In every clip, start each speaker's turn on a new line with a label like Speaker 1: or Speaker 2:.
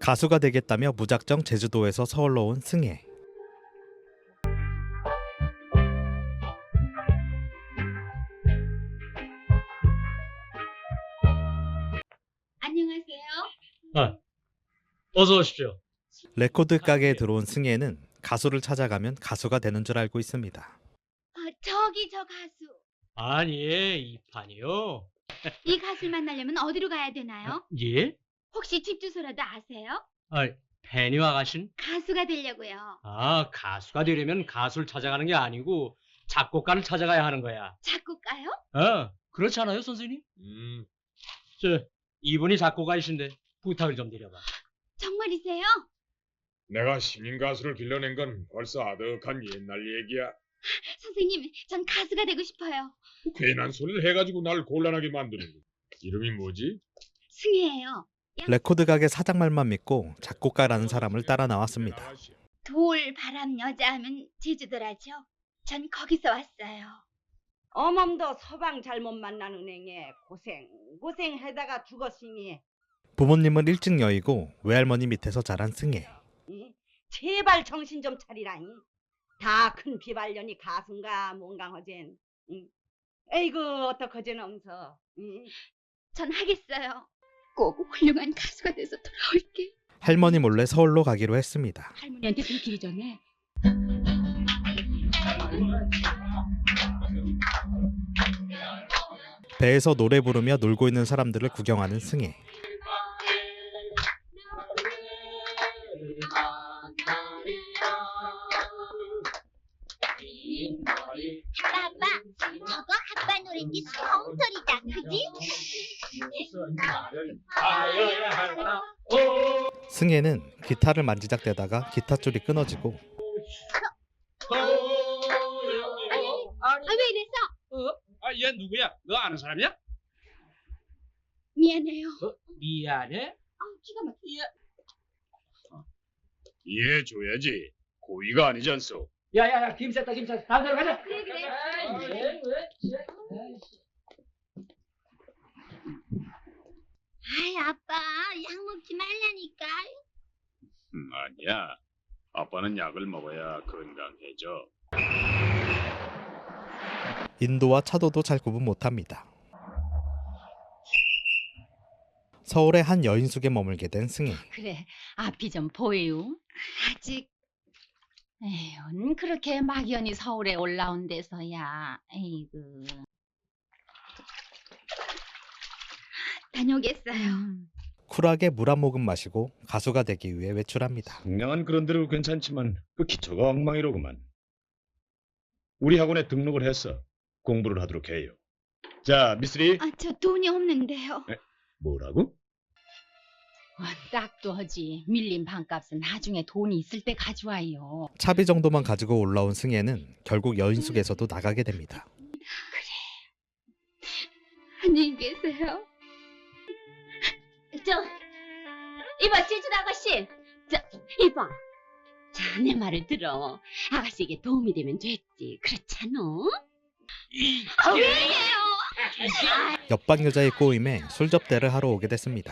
Speaker 1: 가수가 되겠다며 무작정 제주도에서 서울로 온 승혜.
Speaker 2: 안녕하세요.
Speaker 3: 어서 오십시오.
Speaker 1: 레코드 가게에 들어온 승혜는 가수를 찾아가면 가수가 되는 줄 알고 있습니다.
Speaker 2: 저기 저 가수.
Speaker 3: 아니, 이 판이요.
Speaker 2: 이 가수를 만나려면 어디로 가야 되나요?
Speaker 3: 예?
Speaker 2: 혹시 집 주소라도 아세요?
Speaker 3: 팬이 와가신?
Speaker 2: 가수가 되려고요.
Speaker 3: 가수가 되려면 가수를 찾아가는 게 아니고 작곡가를 찾아가야 하는 거야.
Speaker 2: 작곡가요?
Speaker 3: 그렇지 않아요, 선생님? 이분이 작곡가이신데 부탁을 좀 드려봐.
Speaker 2: 정말이세요?
Speaker 4: 내가 신인 가수를 길러낸 건 벌써 아득한 옛날 얘기야.
Speaker 2: 선생님, 전 가수가 되고 싶어요.
Speaker 4: 괜한 소리를 해가지고 날 곤란하게 만드는 거. 이름이 뭐지?
Speaker 2: 승혜예요.
Speaker 1: 레코드 가게 사장 말만 믿고 작곡가라는 사람을 따라 나왔습니다.
Speaker 2: 돌, 바람, 여자 하면 제주도라죠. 전 거기서 왔어요.
Speaker 5: 어멈도 서방 잘못 만난 은행에 고생하다가 죽었으니
Speaker 1: 부모님은 일찍 여의고 외할머니 밑에서 자란 승혜.
Speaker 5: 제발 정신 좀 차리라니. 다 큰 비발년이 가수인가 뭔가 허젠. 에이구 어떡하젠 엄서.
Speaker 2: 전 하겠어요. 꼭 훌륭한 가수가 돼서 돌아올게.
Speaker 1: 할머니 몰래 서울로 가기로 했습니다.
Speaker 2: 할머니한테 들키기 전에.
Speaker 1: 배에서 노래 부르며 놀고 있는 사람들을 구경하는 승혜.
Speaker 6: 아빠, 저거 아빠 노래인데 성소리다, 그지?
Speaker 1: 승혜는 기타를 만지작대다가 기타줄이 끊어지고
Speaker 2: 왜 이랬어?
Speaker 3: 얘 누구야? 너 아는 사람이야?
Speaker 2: 미안해요.
Speaker 3: 미안해?
Speaker 2: 기가 막히게.
Speaker 4: 이해줘야지. 고의가 아니지 않소.
Speaker 3: 야야야, 김 쌌다. 다음 데로 가자.
Speaker 2: 그래.
Speaker 6: 아이, 아빠, 약 먹지 말라니까.
Speaker 4: 아니야. 아빠는 약을 먹어야 건강해져.
Speaker 1: 인도와 차도도 잘 구분 못합니다. 서울의 한 여인숙에 머물게 된 승혜.
Speaker 7: 그래, 앞이 좀 보여요.
Speaker 2: 아직
Speaker 7: 에휴, 그렇게 막연히 서울에 올라온 데서야. 에이구.
Speaker 2: 다녀오겠어요.
Speaker 1: 쿨하게 물 한 모금 마시고 가수가 되기 위해 외출합니다.
Speaker 8: 상냥한 그런 대로 괜찮지만 그 기초가 엉망이로구만. 우리 학원에 등록을 해서 공부를 하도록 해요. 자, 미쓰리.
Speaker 2: 저 돈이 없는데요.
Speaker 8: 뭐라고?
Speaker 7: 딱도 하지. 밀린 반값은 나중에 돈이 있을 때 가져와요.
Speaker 1: 차비 정도만 가지고 올라온 승혜는 결국 여인숙에서도 나가게 됩니다.
Speaker 2: 안녕히 계세요.
Speaker 7: 이봐, 제주도 아가씨. 이봐. 자, 내 말을 들어. 아가씨에게 도움이 되면 됐지. 그렇잖아?
Speaker 2: 왜요?
Speaker 1: 옆방 여자의 꼬임에 술접대를 하러 오게 됐습니다.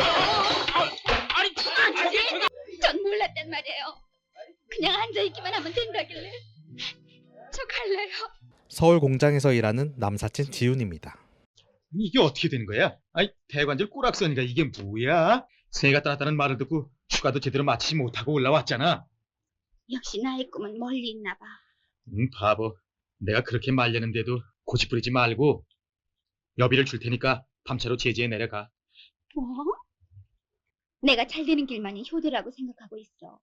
Speaker 2: 전 몰랐단 말이에요. 그냥 앉아있기만 하면 된다길래. 저 갈래요.
Speaker 1: 서울 공장에서 일하는 남사친 지훈입니다.
Speaker 8: 이게 어떻게 된 거야? 아이, 대관절 꼬락서니까 이게 뭐야? 새가 떠났다는 말을 듣고 휴가도 제대로 마치지 못하고 올라왔잖아.
Speaker 2: 역시 나의 꿈은 멀리 있나 봐.
Speaker 8: 바보. 내가 그렇게 말렸는데도 고집 부리지 말고 여비를 줄 테니까 밤차로 제주에 내려가.
Speaker 2: 뭐? 내가 잘 되는 길만이 효도라고 생각하고 있어.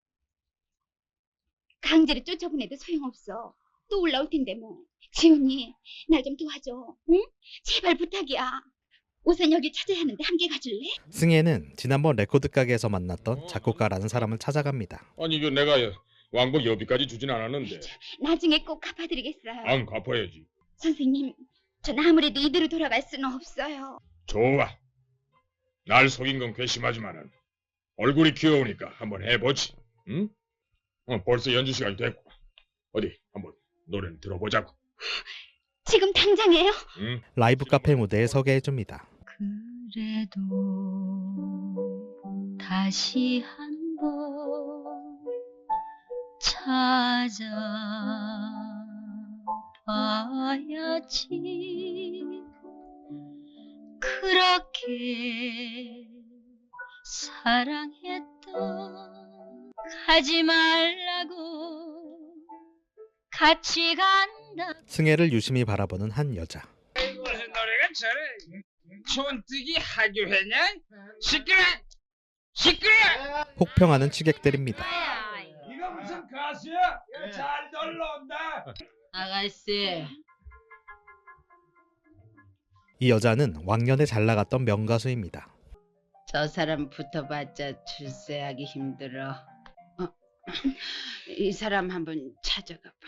Speaker 2: 강제로 쫓아보내도 소용없어. 또 올라올 텐데 뭐. 지훈이, 날 좀 도와줘. 응? 제발 부탁이야. 우선 여길 찾아야 하는데 함께 가줄래?
Speaker 1: 승혜는 지난번 레코드 가게에서 만났던 작곡가라는 사람을 찾아갑니다.
Speaker 4: 아니 이거 내가 왕복 여비까지 주진 않았는데.
Speaker 2: 나중에 꼭 갚아드리겠어요.
Speaker 4: 안 갚아야지.
Speaker 2: 선생님, 전 아무래도 이대로 돌아갈 수는 없어요.
Speaker 4: 좋아. 날 속인 건 괘씸하지만은 얼굴이 귀여우니까 한번 해보지. 응? 벌써 연주 시간이 됐고. 어디 한번 노래는 들어보자고.
Speaker 2: 지금 당장에요?
Speaker 4: 응?
Speaker 1: 라이브 카페 무대에 서게 해줍니다.
Speaker 7: 그래.
Speaker 6: 그래도 다시 한번 찾아봐야지. 그렇게 사랑했던 가지 말라고 같이 간다.
Speaker 1: 승혜를 유심히 바라보는 한 여자.
Speaker 9: 무슨 노래가 저래? 촌뜨기 하교회냐? 시끄러! 시끄러!
Speaker 1: 혹평하는 취객들입니다.
Speaker 9: 이거 무슨 가수야? 잘 놀러온다.
Speaker 5: 아가씨,
Speaker 1: 이 여자는 왕년에 잘 나갔던 명가수입니다.
Speaker 5: 저 사람 붙어봤자 출세하기 힘들어. 이 사람 한번 찾아가 봐.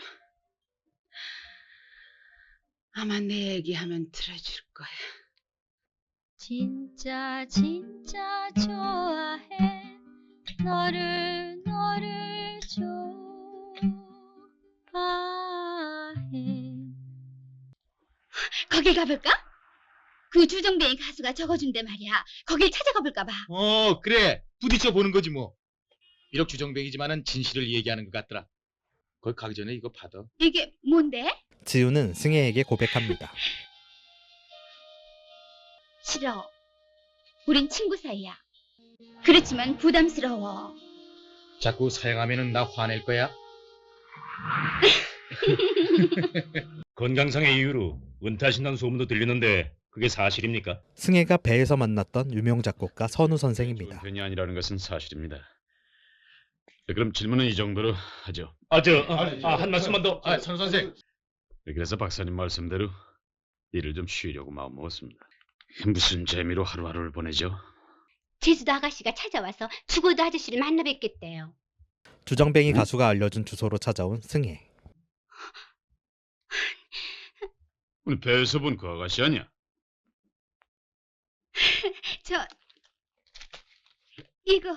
Speaker 5: 아마 내 얘기하면 들어줄 거야.
Speaker 6: 진짜 진짜 좋아해. 너를 좋아해.
Speaker 2: 거길 가볼까? 그 주정뱅이 가수가 적어준대 말이야. 거길 찾아가 볼까 봐.
Speaker 10: 그래. 부딪혀 보는 거지 뭐. 비록 주정뱅이지만은 진실을 얘기하는 것 같더라. 거기 가기 전에 이거 받아.
Speaker 2: 이게 뭔데?
Speaker 1: 지우는 승혜에게 고백합니다.
Speaker 2: 싫어. 우린 친구 사이야. 그렇지만 부담스러워.
Speaker 10: 자꾸 사양하면은 나 화낼 거야.
Speaker 8: 건강상의 이유로 은퇴하신다는 소문도 들리는데 그게 사실입니까?
Speaker 1: 승혜가 배에서 만났던 유명 작곡가 선우 선생입니다.
Speaker 8: 편이 아니라는 것은 사실입니다. 네, 그럼 질문은 이 정도로 하죠. 한 말씀만 더.
Speaker 10: 선 선생.
Speaker 8: 그래서 박사님 말씀대로 일을 좀 쉬려고 마음먹었습니다. 무슨 재미로 하루하루를 보내죠?
Speaker 7: 제주도 아가씨가 찾아와서 죽어도 아저씨를 만나 뵙겠대요.
Speaker 1: 주정뱅이 가수가 알려준 주소로 찾아온 승혜.
Speaker 8: 오늘 배에서 본 그 아가씨 아니야?
Speaker 2: 이거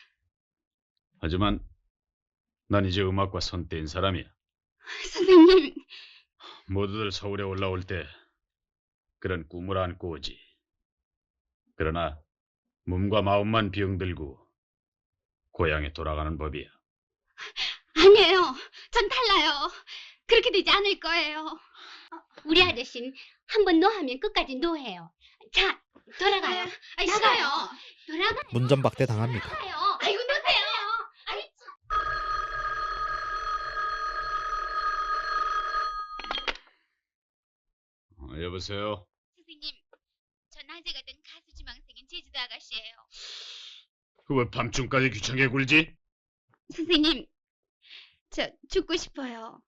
Speaker 8: 하지만 난 이제 음악과 손 떼인 사람이야.
Speaker 2: 선생님.
Speaker 8: 모두들 서울에 올라올 때 그런 꿈을 안고 오지. 그러나 몸과 마음만 병들고 고향에 돌아가는 법이야.
Speaker 2: 아니에요. 전 달라요. 그렇게 되지 않을 거예요.
Speaker 7: 우리 아저씨는 한번 노하면 끝까지 노해요. 자, 돌아가요.
Speaker 2: 나가요.
Speaker 7: 돌아가요.
Speaker 1: 문전박대 당합니다.
Speaker 2: 아이고 노세요.
Speaker 8: 여보세요?
Speaker 2: 선생님, 저 낮에 가던 가수 지망생인 제주도 아가씨예요.
Speaker 8: 그 왜 밤중까지 귀찮게 굴지?
Speaker 2: 선생님, 저 죽고 싶어요.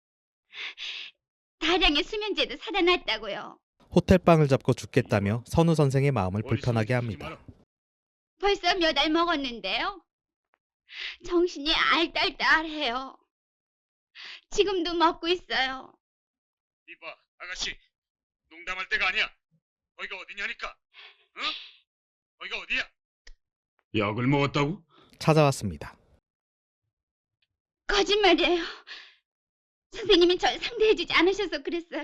Speaker 2: 다량의 수면제도 사다 놨다고요.
Speaker 1: 호텔방을 잡고 죽겠다며 선우 선생의 마음을 불편하게 합니다.
Speaker 2: 벌써 몇 알 먹었는데요. 정신이 알딸딸해요. 지금도 먹고 있어요.
Speaker 8: 이봐, 아가씨. 농담할 때가 아니야. 거기가 어디냐니까. 응? 거기가 어디야? 약을 먹었다고?
Speaker 1: 찾아왔습니다.
Speaker 2: 거짓말이에요. 선생님이 절 상대해주지 않으셔서 그랬어요.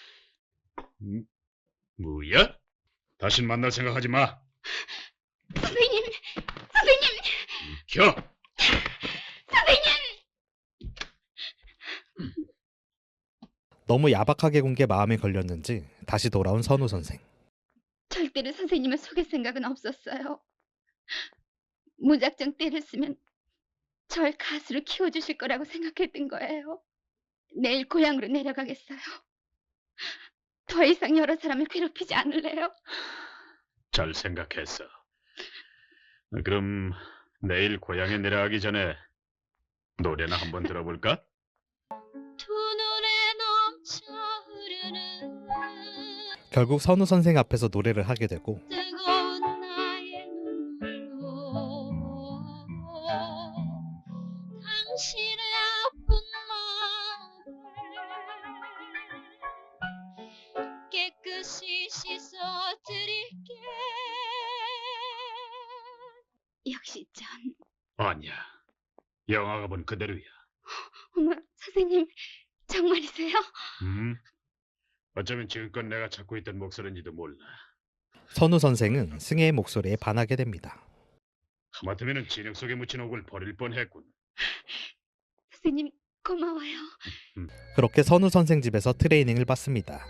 Speaker 8: 뭐야? 다신 만날 생각하지 마.
Speaker 2: 선생님!
Speaker 8: 켜!
Speaker 2: 선생님!
Speaker 1: 너무 야박하게 군 게 마음에 걸렸는지 다시 돌아온 선우 선생.
Speaker 2: 절대로 선생님을 속일 생각은 없었어요. 무작정 때를 쓰면 절 가수로 키워주실 거라고 생각했던 거예요. 내일 고향으로 내려가겠어요. 더 이상 여러 사람을 괴롭히지 않을래요.
Speaker 8: 잘 생각했어. 그럼 내일 고향에 내려가기 전에 노래나 한번 들어볼까?
Speaker 6: 두 눈에 넘쳐 흐르는
Speaker 1: 결국 선우 선생 앞에서 노래를 하게 되고
Speaker 6: 뜨거운 나의 눈물로 당신의 아픈 마음을 깨끗이 씻어드릴게.
Speaker 2: 역시 전...
Speaker 8: 아니야. 영화가 본 그대로야.
Speaker 2: 어머, 선생님 정말이세요?
Speaker 8: 어쩌면 지금껏 내가 찾고 있던 목소리인지도 몰라.
Speaker 1: 선우 선생은 승혜의 목소리에 반하게 됩니다.
Speaker 8: 하마터면 진흙 속에 묻힌 옥을 버릴 뻔했군.
Speaker 2: 선생님 고마워요.
Speaker 1: 그렇게 선우 선생 집에서 트레이닝을 받습니다.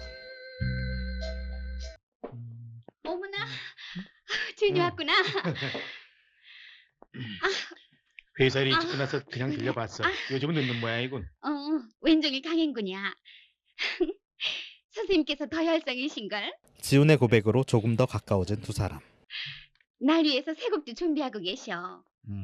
Speaker 2: 어머나, 주인이 왔구나.
Speaker 10: 회사 일 일찍 끝나서 그냥 들려봤어. 요즘은 늦는 모양이군.
Speaker 2: 왼종일 강행군이야. 선생님께서 더 열성이신걸?
Speaker 1: 지훈의 고백으로 조금 더 가까워진 두 사람.
Speaker 2: 날 위해서 새 곡도 준비하고 계셔.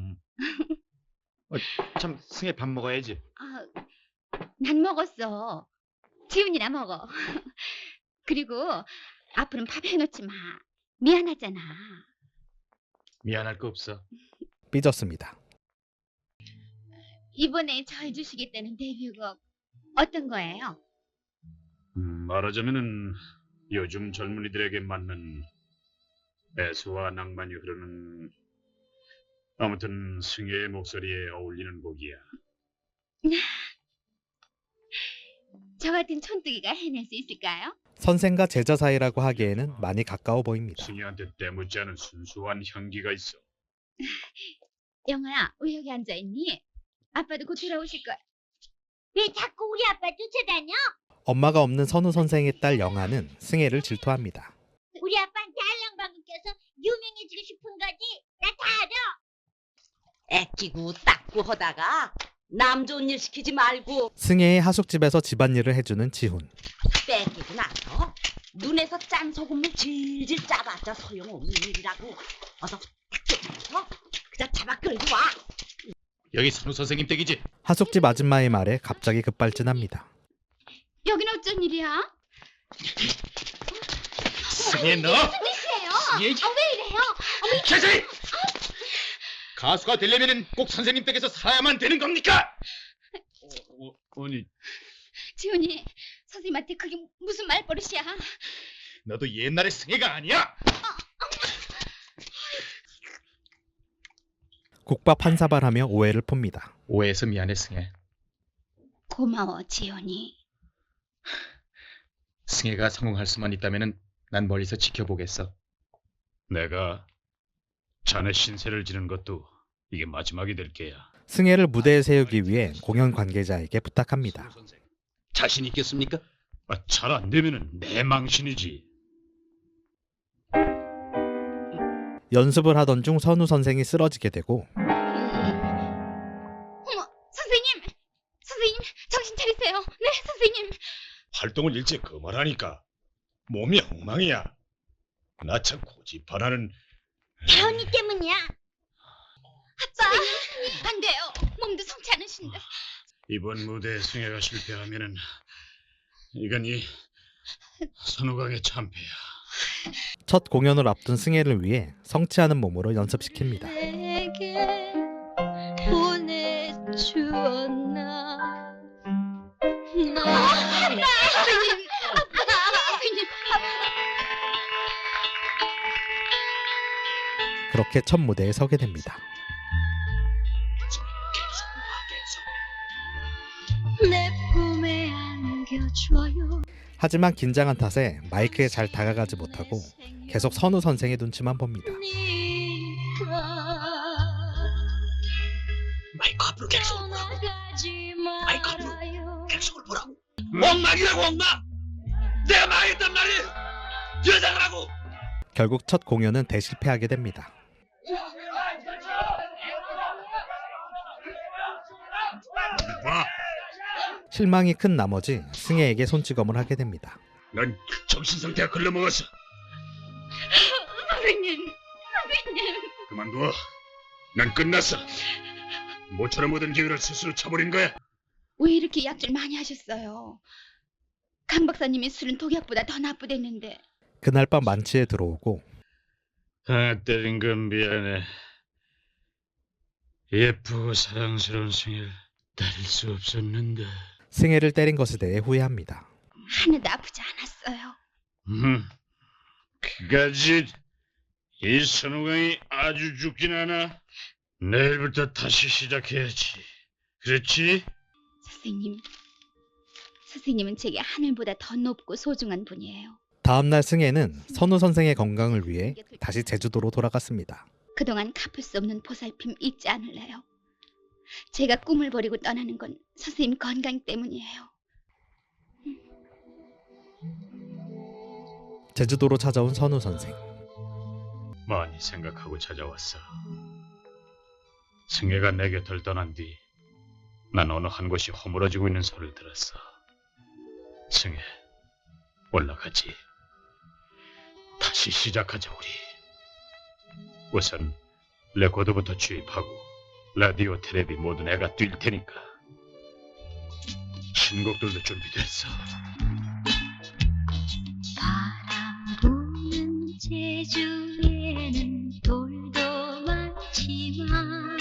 Speaker 10: 참 승혜 밥 먹어야지.
Speaker 2: 난 먹었어. 지훈이나 먹어. 그리고 앞으로는 밥 해놓지 마. 미안하잖아.
Speaker 10: 미안할 거 없어.
Speaker 1: 삐졌습니다.
Speaker 2: 이번에 절 주시겠다는 데뷔곡 어떤 거예요?
Speaker 8: 말하자면은 요즘 젊은이들에게 맞는 애수와 낭만이 흐르는, 아무튼 승혜의 목소리에 어울리는 곡이야.
Speaker 2: 저 같은 촌뜨기가 해낼 수 있을까요?
Speaker 1: 선생과 제자 사이라고 하기에는 많이 가까워 보입니다.
Speaker 8: 승혜한테 때묻지 않은 순수한 향기가 있어.
Speaker 2: 영아야, 왜 여기 앉아있니? 아빠도 곧 돌아오실 거야.
Speaker 6: 왜 자꾸 우리 아빠 쫓아다녀?
Speaker 1: 엄마가 없는 선우 선생의 딸 영아는 승혜를 질투합니다.
Speaker 6: 우리 아빠한테 알랑방귀 껴서 유명해지고 싶은 거지? 나 다 알아.
Speaker 7: 애끼고 닦고 하다가 남 좋은 일 시키지 말고
Speaker 1: 승혜의 하숙집에서 집안일을 해주는 지훈.
Speaker 7: 뺏기고 나서 눈에서 짠 소금을 질질 짜봤자 소용없는 일이라고. 어서 딱 쫓아서 그저 잡아 끌고 와.
Speaker 10: 여기 선우 선생님 댁이지?
Speaker 1: 하숙집 아줌마의 말에 갑자기 급발진합니다.
Speaker 2: 여긴 어쩐 일이야?
Speaker 10: 승혜 너!
Speaker 2: 무슨 뜻이에요?
Speaker 10: 승혜!
Speaker 2: 왜 이래요?
Speaker 10: 최선희! 가수가 되려면 꼭 선생님 댁에서 살아야만 되는 겁니까?
Speaker 8: 아니,
Speaker 2: 지훈이, 선생님한테 그게 무슨 말버릇이야?
Speaker 10: 너도 옛날의 승혜가 아니야?
Speaker 1: 국밥 한 사발하며 오해를 풉니다.
Speaker 10: 오해해서 미안해 승혜.
Speaker 2: 고마워, 지훈이.
Speaker 10: 승혜가 성공할 수만 있다면 난 멀리서 지켜보겠어.
Speaker 8: 내가 자네 신세를 지는 것도 이게 마지막이 될 게야.
Speaker 1: 승혜를 무대에 세우기 위해 공연 관계자에게 부탁합니다.
Speaker 10: 자신 있겠습니까?
Speaker 8: 잘 안 되면은 내 망신이지.
Speaker 1: 연습을 하던 중 선우 선생이 쓰러지게 되고
Speaker 2: 어머, 선생님! 선생님, 정신 차리세요. 네, 선생님.
Speaker 8: 활동을 일찍 그만하니까 몸이 엉망이야. 나 참 고집하나는.
Speaker 6: 태연이 때문이야.
Speaker 2: 아빠, 안 돼요. 몸도 성치 않으신데.
Speaker 8: 이번 무대에 승혜가 실패하면은 이건 이 선우강의 참패야.
Speaker 1: 첫 공연을 앞둔 승혜를 위해 성취하는 몸으로 연습시킵니다.
Speaker 6: 내게 보내주었나
Speaker 2: 선생님, 선생님.
Speaker 1: 그렇게 첫 무대에 서게 됩니다.
Speaker 6: 내 품에 안겨줘요.
Speaker 1: 하지만 긴장한 탓에 마이크에 잘 다가가지 못하고 계속 선우 선생의 눈치만 봅니다.
Speaker 10: 마이크 앞으로 객석을 보라고. 마이크 앞으로 객석을 보라고. 엉망이라고 엉망! 내가 망했단 말이야! 여자라고!
Speaker 1: 결국 첫 공연은 대실패하게 됩니다.
Speaker 8: 봐,
Speaker 1: 실망이 큰 나머지 승혜에게 손찌검을 하게 됩니다.
Speaker 8: 넌 정신 상태가 글러먹었어.
Speaker 2: 선생님.
Speaker 8: 그만둬. 난 끝났어. 모처럼 모든 기회를 스스로 쳐버린 거야.
Speaker 2: 왜 이렇게 약줄 많이 하셨어요? 강 박사님의 술은 독약보다 더 나쁘댔는데.
Speaker 1: 그날 밤 만취에 들어오고
Speaker 8: 때린 건 미안해. 예쁘고 사랑스러운 승혜를 때릴 수 없었는데.
Speaker 1: 승혜를 때린 것에 대해 후회합니다.
Speaker 2: 하나도 아프지 않았어요.
Speaker 8: 그까짓 이 선우강이 아주 죽진 않아. 내일부터 다시 시작해야지. 그렇지?
Speaker 2: 선생님은 제게 하늘보다 더 높고 소중한 분이에요.
Speaker 1: 다음 날 승혜는 선우 선생의 건강을 위해 다시 제주도로 돌아갔습니다.
Speaker 2: 그동안 갚을 수 없는 보살핌 잊지 않을래요. 제가 꿈을 버리고 떠나는 건 선생님 건강 때문이에요.
Speaker 1: 제주도로 찾아온 선우 선생.
Speaker 8: 많이 생각하고 찾아왔어. 승혜가 내 곁을 떠난 뒤 난 어느 한 곳이 허물어지고 있는 소리를 들었어. 승혜, 올라가지. 다시 시작하자 우리. 우선 레코드부터 주입하고 라디오, 텔레비 모두 내가 뛸 테니까. 신곡들도 준비됐어.
Speaker 6: 바람 부는 제주에는 돌도 많지만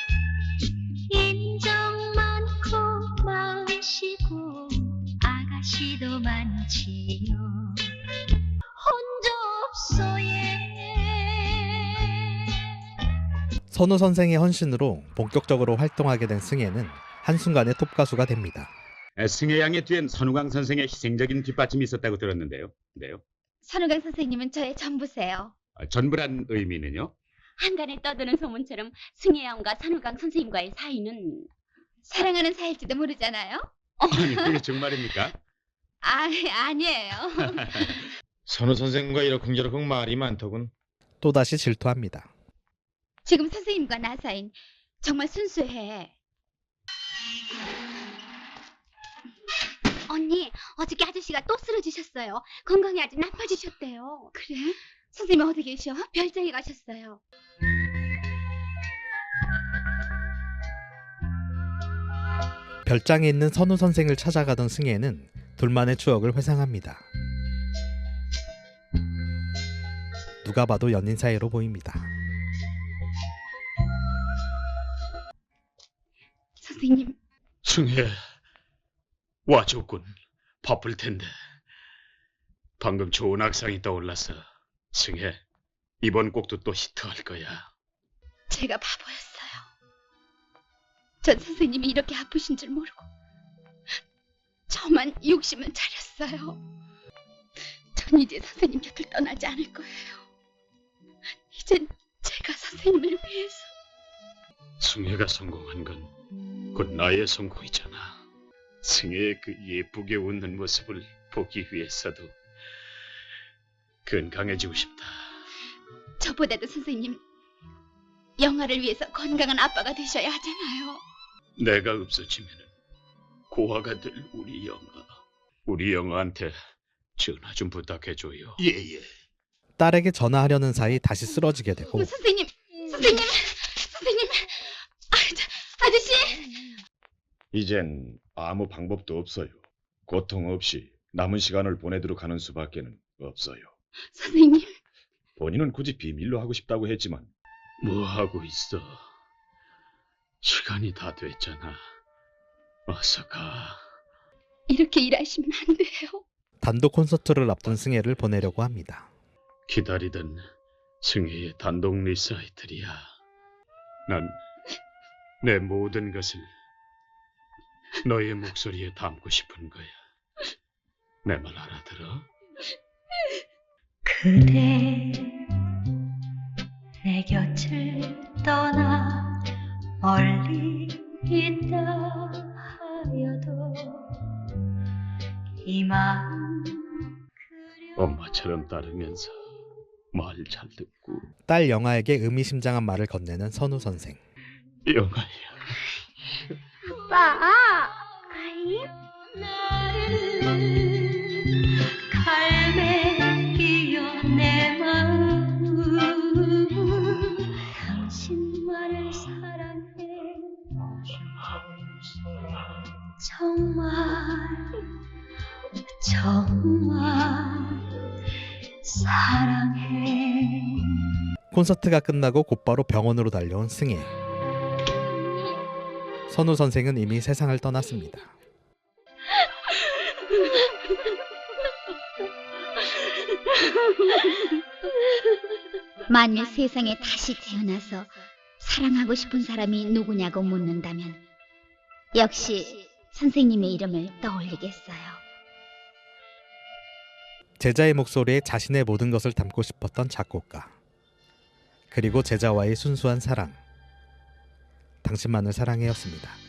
Speaker 6: 인정 많고 마으시고 아가씨도 많지요. 혼자 없어예.
Speaker 1: 선우 선생의 헌신으로 본격적으로 활동하게 된 승혜는 한순간에 톱가수가 됩니다.
Speaker 11: 승혜 양의 뒤엔 선우강 선생의 희생적인 뒷받침이 있었다고 들었는데요. 네요.
Speaker 2: 선우강 선생님은 저의 전부세요.
Speaker 11: 전부란 의미는요?
Speaker 7: 한간에 떠드는 소문처럼 승혜 양과 선우강 선생님과의 사이는
Speaker 2: 사랑하는 사이일지도 모르잖아요.
Speaker 11: 아니, 그게 정말입니까?
Speaker 2: 아니에요.
Speaker 4: 선우 선생과 이러쿵저러쿵 말이 많더군.
Speaker 1: 또다시 질투합니다.
Speaker 2: 지금 선생님과 나 사이는 정말 순수해.
Speaker 7: 언니, 어저께 아저씨가 또 쓰러지셨어요. 건강이 아주 나빠지셨대요.
Speaker 2: 그래? 선생님 어디 계셔? 별장에 가셨어요.
Speaker 1: 별장에 있는 선우 선생을 찾아가던 승혜는 둘만의 추억을 회상합니다. 누가 봐도 연인 사이로 보입니다.
Speaker 2: 선생님.
Speaker 8: 승혜, 와줬군. 바쁠 텐데. 방금 좋은 악상이 떠올랐어. 승혜, 이번 곡도 또 히트할 거야.
Speaker 2: 제가 바보였어요. 전 선생님이 이렇게 아프신 줄 모르고 저만 욕심을 차렸어요. 전 이제 선생님 곁을 떠나지 않을 거예요. 이젠 제가 선생님을 위해서.
Speaker 8: 승혜가 성공한 건 곧 나의 성공이잖아. 승혜의 그 예쁘게 웃는 모습을 보기 위해서도 건강해지고 싶다.
Speaker 2: 저보다도 선생님 영아를 위해서 건강한 아빠가 되셔야 하잖아요.
Speaker 8: 내가 없어지면 고아가 될 우리 영아. 우리 영아한테 전화 좀 부탁해줘요.
Speaker 11: 예예.
Speaker 1: 딸에게 전화하려는 사이 다시 쓰러지게 되고
Speaker 2: 선생님. 아저씨.
Speaker 8: 이젠 아무 방법도 없어요. 고통 없이 남은 시간을 보내도록 하는 수밖에는 없어요.
Speaker 2: 선생님.
Speaker 8: 본인은 굳이 비밀로 하고 싶다고 했지만 뭐 하고 있어? 시간이 다 됐잖아. 어서 가.
Speaker 2: 이렇게 일하시면 안 돼요.
Speaker 1: 단독 콘서트를 앞둔 승혜를 보내려고 합니다.
Speaker 8: 기다리던 승혜의 단독 리사이틀이야. 난 내 모든 것을 너의 목소리에 담고 싶은 거야. 내 말 알아들어?
Speaker 6: 그대 내 곁을 떠나 멀리 있다 하여도 이 마음
Speaker 8: 엄마처럼 따르면서 말 잘 듣고.
Speaker 1: 딸 영아에게 의미심장한 말을 건네는 선우 선생.
Speaker 8: 영아야.
Speaker 6: 아빠 가임 갈매기여 내 마음 당신만을 사랑해 정말 사랑해.
Speaker 1: 콘서트가 끝나고 곧바로 병원으로 달려온 승혜. 선우 선생은 이미 세상을 떠났습니다.
Speaker 2: 만일 세상에 다시 태어나서 사랑하고 싶은 사람이 누구냐고 묻는다면 역시 선생님의 이름을 떠올리겠어요.
Speaker 1: 제자의 목소리에 자신의 모든 것을 담고 싶었던 작곡가. 그리고 제자와의 순수한 사랑. 당신만을 사랑해였습니다.